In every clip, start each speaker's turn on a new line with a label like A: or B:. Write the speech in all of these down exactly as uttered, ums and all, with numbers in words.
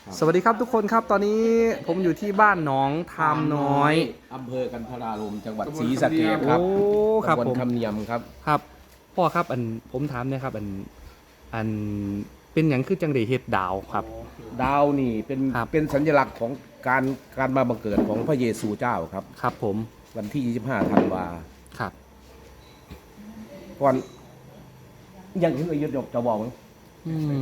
A: สวัสดีครับทุกคนครับตอนนี้ผมอยู่ที่บ้านหนองทามน้อย
B: อำเภอกันทรารมจังหวัดศรีสะเกษครับ
A: โอ้ครับ
B: ตำบ
A: ผ
B: ล
A: ม
B: คำเนียมครับ
A: ครับพ่อครับอันผมถามเนะครับอันอันเป็นอย่างคือจังไดเฮ็ดดาวครับ
B: ดาวนี่เป็น
A: ครับ
B: เป็นสัญลักษณ์ของการการมาบังเกิดของพระเยซูเจ้าครับ
A: ครับผม
B: วันที่ยี่สิบห้าธันวา
A: ครับ
B: ก่อนยังถึงอายุดจะบอกมั้ง
A: อืม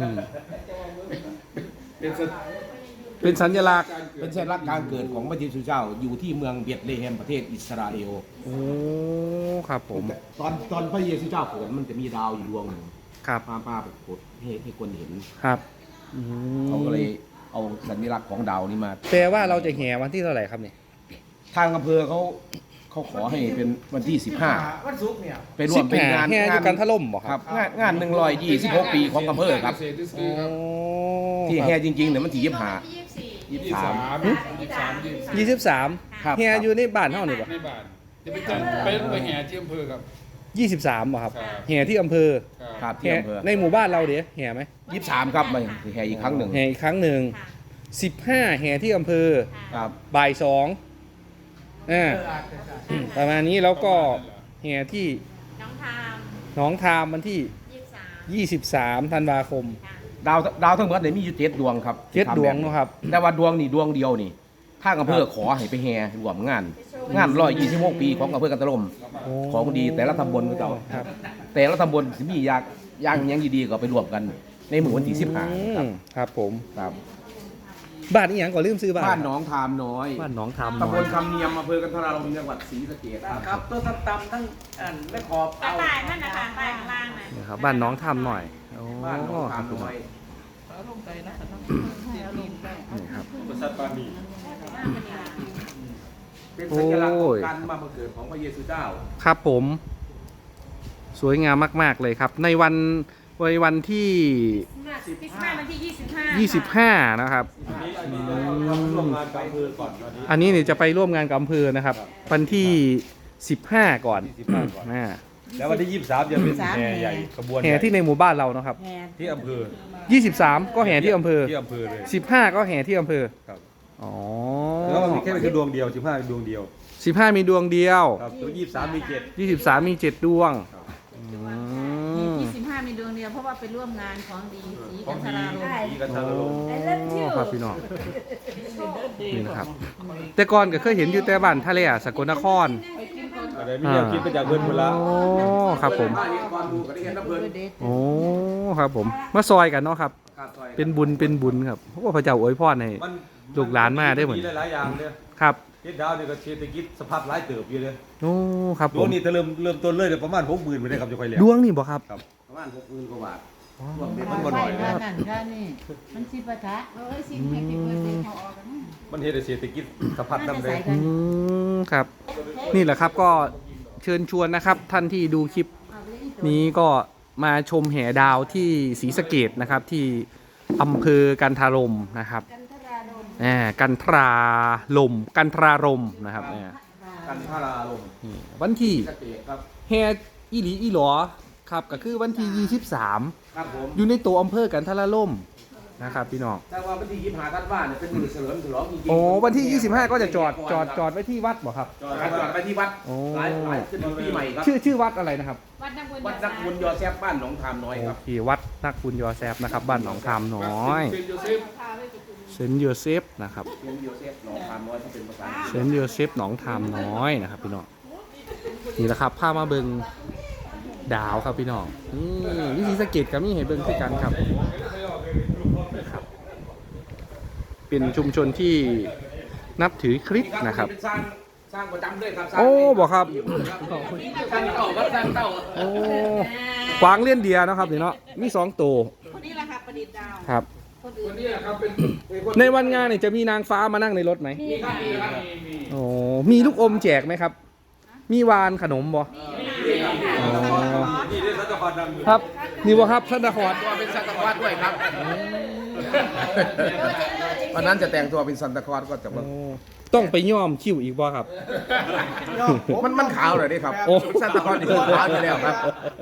A: เป็นสัญลักษณ์
B: เป็นสัญลักษณ์การเกิดของพระเยซูเจ้าอยู่ที่เมืองเบธเลเฮมประเทศอิสราเอล
A: โอ้ครับผม
B: ตอนตอนพระเยซูเจ้าเกิดมันจะมีดาวอยู่ดวงหนึ่ง
A: ครับ
B: ป้าป้าไปกดให้ให้คนเห็น
A: ครับอืม
B: เขาก็เลยเอาสัญลักษณ์ของดาวนี้มา
A: แปลว่าเราจะแห่วันที่เท่าไหร่ครับเนี่ย
B: ทางอำเภอเขาเขาขอให้เป็นวันที่สิบห้า
C: วันศุกร์เนี่ย
B: ไปร่วมเป็นงาน
A: แห่อยู่กันถล่มบ่ค
B: ค
A: รั
B: รั
A: บบ
B: งานงานหนึ่งร้อยยี่สิบหกปีของอำเภอครับ
A: โอ้
B: ที่แห่จริงๆเนี่ยมันที่ยี่สิบห้า
C: ยี่
B: ยี่
C: สิ
B: สิ
C: บบ สา
B: สาม
C: มยี่สิบสามยี่สิบสี่
A: ยี่สิบสาม
B: ครับ
A: แห่อยู่ในบ้านเท่านี่บ่
C: ในบ้านจะไปจัดไปไปแห่ที่อำเภอครับ
A: ยี่สิบสามบ่ครับ
C: ครับ
A: แห่ที่อำเภอ
B: ครับที่
A: แห่
B: อำเภอ
A: ในหมู่บ้านเราเดี๋ยวแห่ไหม
B: ยี่สิบสามครับมาแห่อีกครั้งหนึ่ง
A: แห่อีกครั้งหนึ่งสิบห้าแห่ที่อำเภอ
B: ครับ
A: บ่ายสองอ่าประมาณนี้แล้วก็แห่ที่
D: น้องทาม
A: หนองทามวันที่
D: ยี่สิบสาม
A: ยี่สิบสามธันวาคม
B: ดาวดาวทั้งหมดเนี่ยมีอยู่เจ็ดดวงครับ
A: เจ็ดดวงเนอะครับ
B: แต่ว่าดวงนี่ดวงเดียวนี่ทางอำเภอขอให้ไปแห่รวมงาน งานร้อยยี่สิบหกปีของอำเภอกันตะลม
A: โอ้
B: ของดีแต่ละตำบลก็เจ้า
A: ครับ
B: แต่ละตำบลสิมีอยากย่างหยังดีๆก็ไปรวมกัน ในหมู่วันที่สิบห้า
A: อื
B: ครับ
A: มครับผม
B: ครับ
A: บ้านนี้ยังก่อนลืมซื้อบ้าน
B: บ้านหนองทามน้อย
A: บ้านหนองทาม
B: ตำบ
A: น้อย
B: ลคำเนียมอำเภอกันทรารมจังหวัดศรีสะเกษครับ
C: ครับตัวต่ำๆทั้งอันไม่ขอบ
D: กระต่ายนั่นนะคะใต้ข้างล่างน่ะ
A: นี่ครับบ้านหน้องทามหน่อยโอ้
B: บ้านหนอง
A: ค
B: ทา
A: รั
B: ม
A: บพี่น้
B: น้
A: อ
B: อง ย
A: นี่ครับ
B: เป็นสัญลักษณ์ของการมาบังเกิดของพระเยซูเจ้า
A: ครับผม สวยงามมากๆเลยครับ ในวันในวันที่
D: คริสต์มาสวันที่ยี่สิบห้า
A: ยี่สิบห้านะครับอันนี้เนี่ยจะไปร่วมงานกับอำเภอนะครับ วันที่สิบห้าก่อนอ่า
E: แล้ววันที่ยี่สิบสามจะเป็นแห่ใหญ่ขบวน
A: แห่ที่ในหมู่บ้านเรานะครับ
E: ที่อำเภอ
A: ยี่สิบสามก็แห่ที่อำเภอ
E: ที่อำเภอเลย
A: สิบห้าก็แห่ที่อำเภอ
E: ครับ
A: อ๋อ
E: แล้วมันมีแค่เป็นดวงเดียวสิบห้าดวงเดียว
A: สิบห้ามีดวงเดียว
E: ครับตัวยี่สิบสามมีเจ็ด
A: ยี่สิบสามมีเจ็ดดวงอืม
D: ยี่สิบห้ามีดวงเดียวเพราะว่าไปร่วมงานของดีสี
E: ข
D: กั
E: อน ง
D: ท
E: ดี
D: ราลม
E: ดีกันทารม
A: โอ้ครับพี่น้องนี่นะครับ แต่ก่อนก็เคยเห็นอยู่แต่บ้านทะเลอะสกลนคร
E: อะไรไม่อยากคิดไปจากเพื่อนคนละ
A: โอ้ครับผม
B: บ้านนี้ก่อนดูก็ได้เห็นน้ำเพลิน
A: โอ้ครับผมมาซอยกันเนาะครับ
B: ครับซอย
A: เป็นบุญเป็นบุญครับเพราะว่าพระเจ้าอวยพรให้
E: มัน
A: ลูกหลานมาได้เหมือน
E: หลายๆอย่างเนี่ย
A: ครับ
E: เฮ็ดดาวเนี่ยก็เศรษฐกิจสภาพหลายเติบอยู่เลย
A: โอ้ครับ
E: ด
A: ผ
E: วง
A: ม
E: นี้จะเริ่มเริ่มต้นเลยเนี่ยประมาณหกหมื่นไปเลยครับจะไปแล้ว
A: ดวงนี่บ่ครับ
B: ประมาณหกหมื่นกว่าบาท
E: มันบ่หน่อยนะ
F: นั่นก็นี่มันสิปะทะเอ้ยสิให้กินเบอร์เซ็นต์เขาออกกันนะ
E: มันเฮ็ดให้เศรษฐกิจสะพัดน้ำเลย
A: อืมครับ นี่แหละครับก็เชิญชวนนะครับ ท่านที่ดูคลิปนี้ก็มาชมแห่ดาวที่ศรีสะเกษนะครับ ที่อำเภอกันทารมนะครับอ่ากันทราลมกันทรารมนะครับเนี่ย
B: กันทรารม
A: นี่วันที่
B: ศรีสะเกษครับ
A: แห่อีหลีอีหลอครับก็คือวันที่ยี่สิบสาม
B: ครับผม
A: อยู่ในตัวอำเภอกันทรารมนะครับพี่น้อง
B: แต่ว่าวันที่ยี่สิบห้าธันวาเนี่ยเป็นมือเฉลิมฉลองจริงๆ
A: โอ้วันที่ยี่สิบห้าก็จะจอดจอดจอดไว้ที่วัดบ่ครับ
B: จอดจอดไปที่วัด
A: โอ้
B: หลายหลายขึ้นปีใหม่ครับ
A: ชื่อชื่อวัดอะไรนะครับ
D: วัดนักบุญ
B: วัดนักบุญยอแซฟบ้านหนองทามน้อยค
A: โอ
B: รับ
A: เควัดนักบุญยอแซฟนะครับบ้านหนองคามน้อย
C: เซนโยเซฟ
A: เซนต์โยเซฟนะครับ
B: เป็นยอแซฟหนองทามน้อยที่เป็นภาษา
A: เซนต์โยเซฟหนองทามน้อยนะครับพี่น้องนี่แหละครับพามาเบิงดาวครับพี่น้องนี่วิธีสะเก็ดกับนี่เห็นเบิงคือกันครับนะครับ เป็นชุมชนที่นับถือคริสต์นะครับ
B: เป็นสร้างสร้างประจำด้วยครับสร้าง
A: โอ้บอกครับ
B: สร้างเต่าวัดสร้างเต่า
A: โอ้กวางเลี้ยนเดียนะครับนี่เนาะมีสองตัว
D: คนนี้แหละค่ะประดิษฐ์ดาว
A: ครับ
D: คนอื่
C: คน นนี้ครับเป็นเป็นคน
A: ในวันงานเนี่ยจะมีนางฟ้ามานั่งในรถไหม
B: มีครับมีครับ
C: มีมี
A: โอ้มีลูกอมแจกไหมครับ มีวานขนมบ่อ๋อ
E: นี่ได้สัตว์พันธุ์ดังอยู่
A: ครับนี่บ่ครับท่านนคร
B: ตัวเป็นสัตว์วัดด้วยครับ
D: เ
B: วันนั้นจะแต่งตัวเป็นซันตาคลอสก็จะมา
A: โอ้ต้องไปย้อมคิ้วอีกบ่ครับ
B: มันมันขาวเลยดิครับ
A: โอ้
B: ซันตาคลอสนี่ขาวอยู่แล้วครับ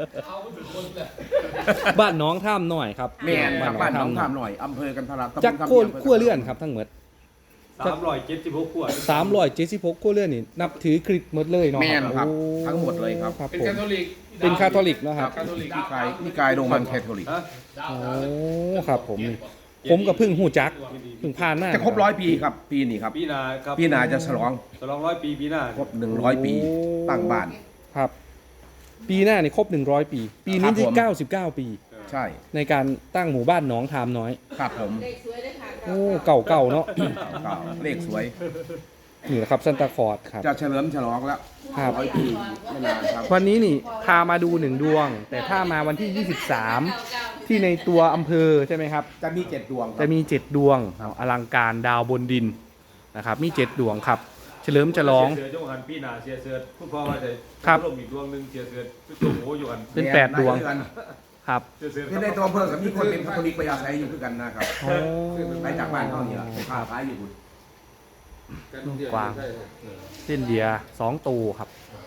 A: บ้านน้องท่ามหน่อยครับ
B: แม่นครับบ้านหน้อง
A: ท่
B: ท่ามหน่อยอำเภอกันทราตำบล
A: จัก
B: คำ
A: โค่
B: เดียว
A: ขั้วเลื่อนครับทั้งหมด
E: สามร้อยเจ็ดสิบหกขวด
A: สามร้อยเจ็ดสิบหกขั้วเลื่อนนี่นับถือคริสต์หมดเลยเนาะ
B: แม่นครับ
A: โอ้
B: ทั้งหมดเลยครับ
A: ครับ
C: เป็น
A: ผม
C: คาทอลิก
A: เป็นคาทอลิกเนาะครับ
C: คาทอลิก
B: นิกายนิกายโรมันแคทอลิก
E: ฮะ
A: โอ้ครับผมนี่ผมกับพึ่งหูจักพึ่งผ่านมา
B: จะครบร้อยปีครับปีนี้ครับ
E: ปีหนาครับ
B: ปีหน้าจะฉลอง
E: ฉลองร้อยปีปีหน้า
B: ครบหนึ่งร้อยปีตั้งบ้าน
A: ครับ ปีหน้านี่ครบหนึ่งร้อยปี ปีนี้ที่
B: ครับผม
A: เก้าสิบเก้าปี
B: ใช่
A: ในการตั้งหมู่บ้านหนองทามน้อย
B: ครับผม
A: โอ้เก่าเก่าๆเนาะ
B: ก็เลขสวย
A: นี่แหละครับซันตาคลอร์ดครับ
B: จะเฉลิมฉลองแล้ว
A: ครับ
B: ร้อยปีไม่นานครับ
A: วันนี้นี่พามาดูหนึ่งดวง แต่ถ้ามาวันที่ยี่สิบสามที่ในตัวอำเภอใช่ไหมครับ
B: จะมีเจ็ดดวงค
A: จะ
B: รับ
A: มีเจ็ดดวงอลังการดาวบนดินนะครับมีเจ็ดดวงครับ เฉลิมฉลอง
E: เสือเจ้าหันปีหนาเสียเสือคุณพ่อว่าจะ
A: ครับ
E: ลมอีกดวงหนึ่งเสียเสือจุ่มโอ้อยู่กัน
A: เป็นแปดดวง ครับ
E: เสียเสือ
B: ที่ในตัวอำเภอกับมีคนเป็นคาทอลิกไปอาศัยอยู่ด้วยกันนะครับ
A: โอ้
B: ไปจากบ้านเขานี่แหละไปค้าขายอยู่คุณ
A: กวางเส้นเดียสองตูครับ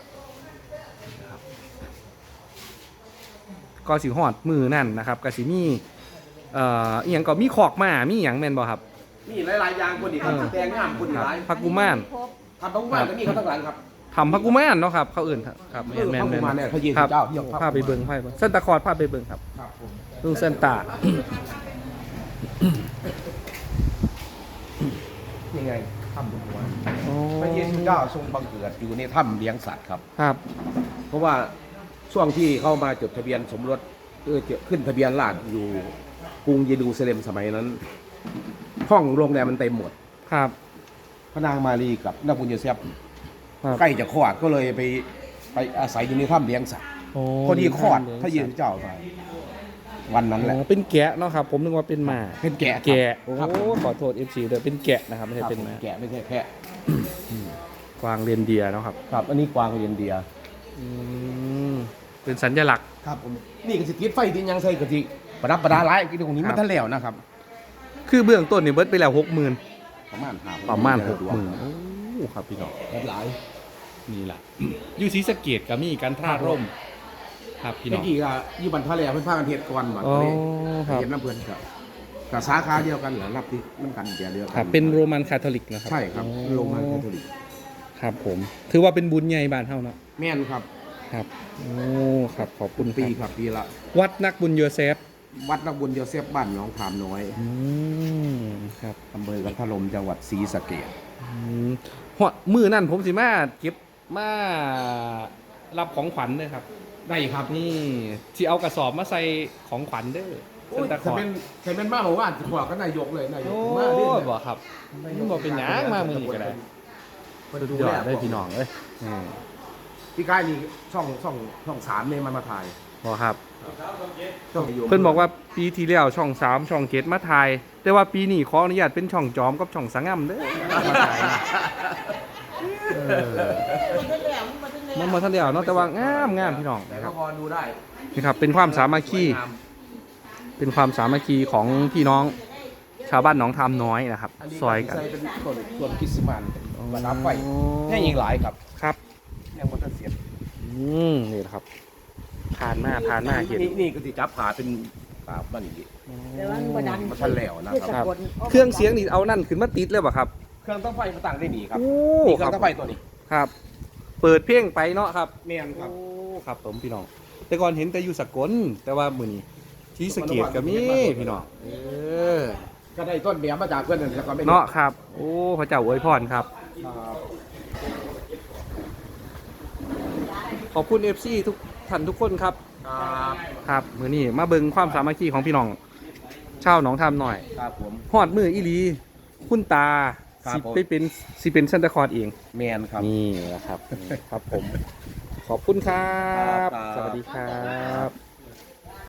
A: ก็สิหอดมือนั่นนะครับกสิมีเอ่ออีหยังก็มีขอกมามีหยังแม่นบ่ครับ
B: มีหลายๆอย่างคนอีกครับ
A: เออ
B: แดงงามคนอีกหลาย
A: พักกุมาร
B: ทำบางบ้านก็มีเขาทั้งหลังครับ
A: ทำพักกุมารเนาะครับเขาเอื่นครับแม่นแม่น
B: พระกุ
A: แม่น
B: มารเนี่ยพระเยซู
A: ครับ
B: เจ้าที่ยก
A: พาไปเบิ่งพาไปเบิ่งเส้นตะคอร์ดพาไปเบิ่งครับ
B: ครับผม
A: ลุงเส้นตา
B: ยังไงถ้ำหลวงหัวพระเยซูเจ้าทรงบังเกิดอยู่ในถ้ำเลี้ยงสัตว์ครับ
A: ครับ
B: เพราะว่าช่วงที่เข้ามาจดทะเบียนสมรสเออขึ้นทะเบียนราษฎร์อยู่กรุงเยรูซาเล็มสมัยนั้น ห้องโรงแรมมันเต็มหมด
A: ครับ
B: พระนางมารีกับนางบุญโยเซฟ
A: ครับ
B: ใกล้จะคลอดก็เลยไปไปอาศัยอยู่ในถ้ำเลี้ยงสัตว์
A: โอ้
B: พอดีคลอดพระเยซูเจ้าไปวันนั้นแหละ
A: อ๋อเป็นแกะเนาะครับ ผมนึกว่าเป็นหมา
B: เป็นแกะครับ
A: แกะโอ้
B: ครับ
A: ขอโทษ เอฟ ซี เด้อเป็นแกะนะครับไม่
B: ค
A: ใช่
B: รับ
A: เป็นหมา
B: แกะไม่ใช่แพะ
A: กวางเรนเดียร์เนาะครับ
B: ครับ อันนี้กวางเรียนเดีย
A: อืมเป็นสัญลักษณ์
B: ครับผมนี่ก็สิติดไฟติดหยังใส่กะทิประดับประดาหลายที่ตรงนี้
A: ครั
B: มั
A: บ
B: นทันแล้วนะครับ
A: คือเบื้องต้นนี่เบิดไปแล้วหกหมื่น
B: ประมาณห้า
A: ประมาณหก
B: ดว
A: ห
B: ง
A: มื่นโอ้ครับพี่น้อง
B: หลาย
A: นี่แหละอยู่ศรีสะเกดก็มีการท่าร่ม ครับพี่น้
B: เมื่
A: อ
B: อง กี้ก็อยู่บันทะเลเพิ่นพากันเฮ็ดก่อนมา
A: อ๋อ
B: ก็เลย
A: ครับ
B: เฮ็ดน้ำเพิ่นครับกับสาขาเดียวกันเหรอรับที่น้ำกันเดียวเดียวกั
A: ครับเป็นโรมันคาทอลิกนะครับ
B: ใช่ครับ
A: อ๋อ
B: โรงงานคาทอลิก
A: ครับผม ถือว่าเป็นบุญใหญ่บ้านเฮาเนาะ
B: แม่นครับ
A: ครับ โอ้ครับขอบคุ
B: คุณ ณปี
A: ค
B: ครับ รับปีละ
A: วัดนักบุญโยเซฟ
B: วัดนักบุญโยเซฟบ้านหนองขามน้อย
A: อืมครับ
B: อำเภอกันทลมจังหวัดศรีสะเกษ
A: อืมฮอดมือนั่นผมสิมาเก็บมารับของขวัญเด้อครับ
B: ได้ครับ
A: นี่ที่เอากระสอบมาใส่ของขวัญเด้อ
B: โอ้
A: เส้
B: ย
A: นตะข
B: ถ้า
A: อด
B: เป็นถ้าเป็นมาบอกว่าขวาก็นายกเลยนายก
A: โอ้
B: มาเรื่อย
A: บ่ครับมันบ่เป็นหยังมามือนี้ก็ได้สุดยอดได้พี่น้องเอ้ยอืม
B: พี่กายนี่ช่องช่องช่องสามเนี่ยมันมาถ่าย
A: บ่ครับ
B: ช่องโยม
A: เพิ่นบอกว่าปีที่แล้วช่องสามช่องเจ็ดมาถ่าย แต่ว่าปีนี้ขออนุญาตเป็นช่องจอมกับช่องสังงำเด้อมาถ่ายเออมันบ่ทันแล้วเนาะแต่ว่างามงามพี่น้อง
B: แต่
A: นะค
B: ก็
A: รับ
B: พอดูได้
A: นี่ครับเป็นความสามัคคี
B: สวยงาม
A: เป็นความสามัคคีของพี่น้องชาวบ้านหนองทามน้อยนะครับ
B: อันนี้
A: ซอยกัน
B: ใส่เป็นต้นต้นคริสต์มาสประดับไฟแค่ยิงหลายครับ
A: ครับ
B: ยังมันจะเสีย
A: อืมนี่แหละครับผ่านหน้าผ่านหน้าเห็น
B: นี่นี่ก็สิจับผ่าเป็นผ่าบ้านนี้
F: แต่ว่ามันบ่ดัง
B: มันทันแล้วนะค
A: ค
B: รั
A: รั
B: บบ
A: เครื่องเสียงนี่เอานั่นขึ้นมาติดเลยป่ะครับ
B: เครื่องต้องไฟมาตั้งได้หนีครับ
A: โอ้
B: นี่เค
A: ค
B: รื่
A: รั
B: อบ งต้องไฟตัวนี้
A: ครับ เปิดเพลงไปเนาะครับ
B: แม่นครับ
A: โอ้ครับผมพี่น้อง แต่ก่อนเห็นแต่อยู่สกลแต่ว่ามื้อนี้ที่สะเกตก็มีพี่น้องเออ
B: ก็ได้ต้นแบบมาจากเพื่อนนั่นแหละก็ไม่
A: เนาะครับ โอ้พระเจ้าอวยพรครับ
B: ครับ
A: ขอบคุณ เอฟ ซี ทุกท่านทุกคนครับ
B: ครับ
A: ครับมื้อนี้มาเบิ่งความสามัคคีของพี่น้องชาวหนองทามหน่อย
B: ครับผม
A: ฮอดมืออีหลีคุณตา
B: ครับ
A: สิ
B: ผม
A: ไปเป็นสิเป็นซันตาคลอร์สเอง
B: แมนครับ
A: นี่แหละครับ ครับผม ขอบคุณครับ
B: ครับ
A: สวัสดีครับ